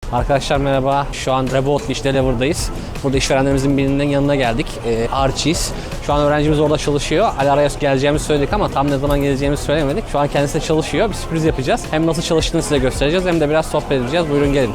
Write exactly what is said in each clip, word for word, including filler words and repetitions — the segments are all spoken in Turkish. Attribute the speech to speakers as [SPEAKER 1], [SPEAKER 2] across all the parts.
[SPEAKER 1] Arkadaşlar merhaba. Şu an Revolt'lu işte Deliver'dayız. Burada işverenlerimizin birinin yanına geldik. Ee, Archie's. Şu an öğrencimiz orada çalışıyor. Ali araya geleceğimizi söyledik ama tam ne zaman geleceğimizi söylemedik. Şu an kendisi de çalışıyor. Bir sürpriz yapacağız. Hem nasıl çalıştığını size göstereceğiz hem de biraz sohbet edeceğiz. Buyurun gelin.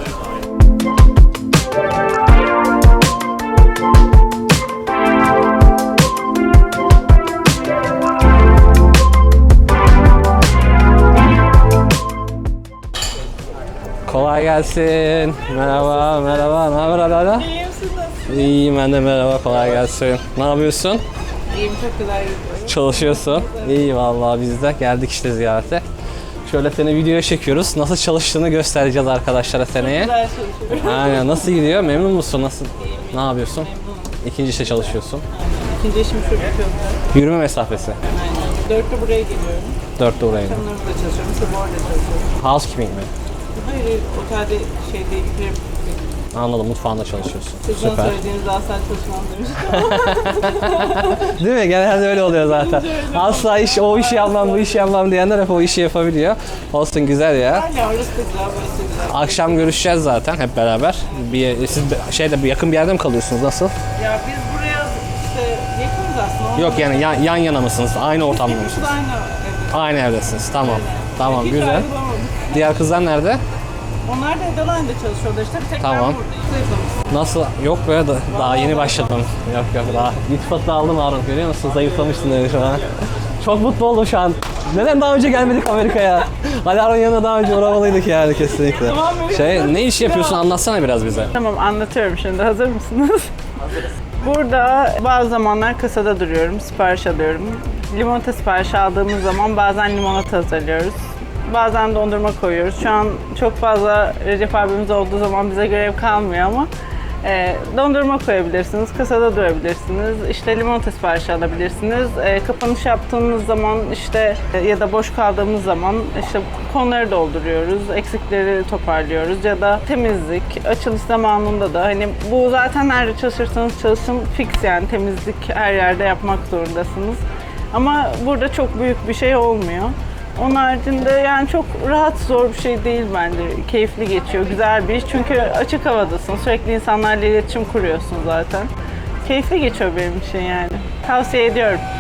[SPEAKER 1] Kolay gelsin. Merhaba, merhaba. Ne haber Ala?
[SPEAKER 2] İyiyim, siz nasılsınız?
[SPEAKER 1] İyiyim ben de merhaba. Kolay gelsin. Ne yapıyorsun?
[SPEAKER 2] İyiyim, çok güzel gidiyorum.
[SPEAKER 1] Çalışıyorsun. İyi vallahi biz de geldik işte ziyarete. Şöyle seni videoya çekiyoruz. Nasıl çalıştığını göstereceğiz arkadaşlara seneye.
[SPEAKER 2] Güzel çalışıyorum.
[SPEAKER 1] Aynen. Nasıl gidiyor? Memnun musun? Nasıl?
[SPEAKER 2] İyiyim,
[SPEAKER 1] Ne yapıyorsun?
[SPEAKER 2] memnunum.
[SPEAKER 1] İkinci işte çalışıyorsun.
[SPEAKER 2] Aynen. İkinci işim şurada yapıyorum.
[SPEAKER 1] Yürüme mesafesi.
[SPEAKER 2] Aynen. Dörtte buraya geliyorum.
[SPEAKER 1] Dörtte oraya.
[SPEAKER 2] Akşamları burada çalışıyorum, sabah orada çalışıyorum.
[SPEAKER 1] Housekeeping mi?
[SPEAKER 2] Hayır, hayır, otelde şey değil, prim.
[SPEAKER 1] Anladım. Mutfağında çalışıyorsun.
[SPEAKER 2] Sizden
[SPEAKER 1] Süper.
[SPEAKER 2] söylediğiniz asla çalışmam demiştim.
[SPEAKER 1] Değil mi? Genelde öyle oluyor zaten. Asla iş, o işi yapmam, bu işi yapmam diyenler hep o işi yapabiliyor. Olsun güzel ya.
[SPEAKER 2] Hala orası da güzel, burası da güzel.
[SPEAKER 1] Akşam görüşeceğiz zaten hep beraber. Bir, siz şeyde bir yakın bir yerde mi kalıyorsunuz? Nasıl?
[SPEAKER 2] Ya biz buraya işte yakınız aslında.
[SPEAKER 1] Yok yani yan, yan yana mısınız? Aynı ortamda
[SPEAKER 2] İkimiz
[SPEAKER 1] mısınız?
[SPEAKER 2] de aynı evde.
[SPEAKER 1] Aynı evdesiniz. Tamam. Tamam
[SPEAKER 2] Hiç
[SPEAKER 1] güzel.
[SPEAKER 2] ayrılamadık.
[SPEAKER 1] Diğer kızlar nerede?
[SPEAKER 2] Onlar da Edeline'de çalışıyorlar işte. Bir tek
[SPEAKER 1] Tamam.
[SPEAKER 2] ben buradayım. Zayıflamışsın.
[SPEAKER 1] Nasıl? Yok be da, daha yeni başladım. Yok yok daha. İltifatı aldım Harun. Görüyor musun? Zayıflamışsın dedi şu an. Çok mutlu oldum şu an. Neden daha önce gelmedik Amerika'ya? Ali Harun yanına daha önce uğramalıydık yani kesinlikle.
[SPEAKER 2] Tamam,
[SPEAKER 1] Şey ne iş yapıyorsun anlatsana biraz bize.
[SPEAKER 2] Tamam, anlatıyorum şimdi. Hazır mısınız? Burada bazı zamanlar kasada duruyorum, sipariş alıyorum. Limonata siparişi aldığımız zaman bazen limonata hazırlıyoruz. Bazen dondurma koyuyoruz. Şu an çok fazla Recep abimiz olduğu zaman bize görev kalmıyor ama e, dondurma koyabilirsiniz, kasada durabilirsiniz, işte limonata siparişi alabilirsiniz. E, kapanış yaptığımız zaman işte e, ya da boş kaldığımız zaman işte konuları dolduruyoruz, eksikleri toparlıyoruz ya da temizlik, açılış zamanında da hani bu zaten nerede çalışırsanız çalışın fix yani temizlik her yerde yapmak zorundasınız. Ama burada çok büyük bir şey olmuyor. Onun haricinde yani çok rahat, zor bir şey değil bence. Keyifli geçiyor, güzel bir iş. Çünkü açık havadasın, sürekli insanlarla iletişim kuruyorsun zaten. Keyifli geçiyor benim için yani. Tavsiye ediyorum.